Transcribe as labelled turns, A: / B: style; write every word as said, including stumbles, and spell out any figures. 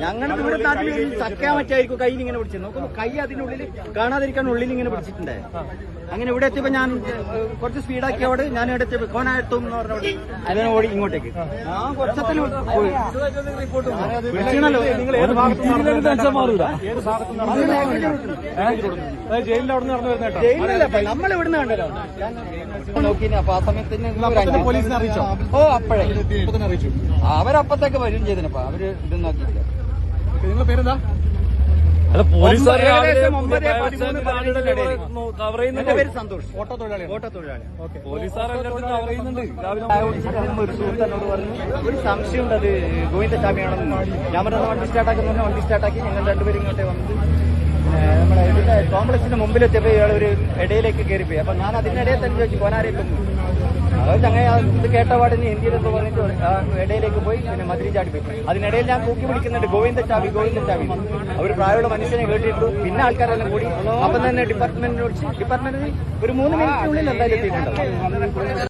A: ഞങ്ങളുടെ ഇവിടെ നാട്ടിൽ ചക്കാൻ പറ്റായിരിക്കും കയ്യിൽ ഇങ്ങനെ പിടിച്ചത്. നോക്കുമ്പോ കൈ അതിനുള്ളിൽ കാണാതിരിക്കാൻ ഉള്ളിൽ ഇങ്ങനെ പിടിച്ചിട്ടുണ്ടേ. അങ്ങനെ ഇവിടെ എത്തിയപ്പോ ഞാൻ കുറച്ച് സ്പീഡാക്കിയോട് ഞാൻ ഇവിടെ എത്തിയപ്പോ കോനായത്തും എന്ന് പറഞ്ഞോട് അതിനെ ഓടി ഇങ്ങോട്ടേക്ക് ഞാൻ കുറച്ചത്തിന് പോയി ജയിലിലല്ല നമ്മൾ ഇവിടുന്ന് കണ്ടല്ലോ നോക്കി. അപ്പൊ ആ സമയത്തിന് പോലീസിനെ അറിയിച്ചോ? ഓ അപ്പഴേ അവരപ്പത്തേക്ക് വരും ചെയ്തിനപ്പ അവര് ഇത് നോക്കിയില്ല. നിങ്ങളുടെ പേരെന്താ?
B: അല്ല പോലീസ്
A: എന്റെ പേര് സന്തോഷ്, ഓട്ടോ തൊഴിലാളി. ഓട്ടോ തൊഴിലാളി
B: പോലീസുകാർ കവർ ചെയ്യുന്നുണ്ട്.
A: ഒരു സുഹൃത്തിനോട് പറഞ്ഞു ഒരു സംശയമുണ്ട് അത് ഗോവിന്ദ ചാമിയാണെന്ന്. ഞാൻ പറഞ്ഞ വണ്ടി സ്റ്റാർട്ടാക്കുന്ന വണ്ടി സ്റ്റാർട്ടാക്കി ഞങ്ങൾ രണ്ടുപേരും ഇങ്ങോട്ടേ വന്നത് നമ്മളെ ഇതിന്റെ കോംപ്ലക്സിന്റെ മുമ്പിലെത്തിയപ്പോ ഇയാൾ ഒരു ഇടയിലേക്ക് കയറിപ്പോയി. അപ്പൊ ഞാൻ അതിനിടയിൽ തന്നെ ചോദിച്ചു കോനാരേക്കും അത് അങ്ങനെ ഇത് കേട്ട പാടിന് ഹിന്ദിയിൽ എന്ന് പറഞ്ഞിട്ട് ഇടയിലേക്ക് പോയി പിന്നെ മതിരി ചാടിപ്പോയി. അതിനിടയിൽ ഞാൻ കൂക്കി വിളിക്കുന്നുണ്ട് ഗോവിന്ദ ചാവി ഗോവിന്ദ ചാവി. അവർ പ്രായമുള്ള മനുഷ്യനെ കേട്ടിട്ടു. പിന്നെ ആൾക്കാരെല്ലാം കൂടി അപ്പം തന്നെ ഡിപ്പാർട്ട്മെന്റിനെ വിളിച്ച് ഡിപ്പാർട്ട്മെന്റിന് ഒരു മൂന്ന് മിനിറ്റിനുള്ളിൽ എന്തായാലും എത്തിയിട്ടുണ്ടാവും.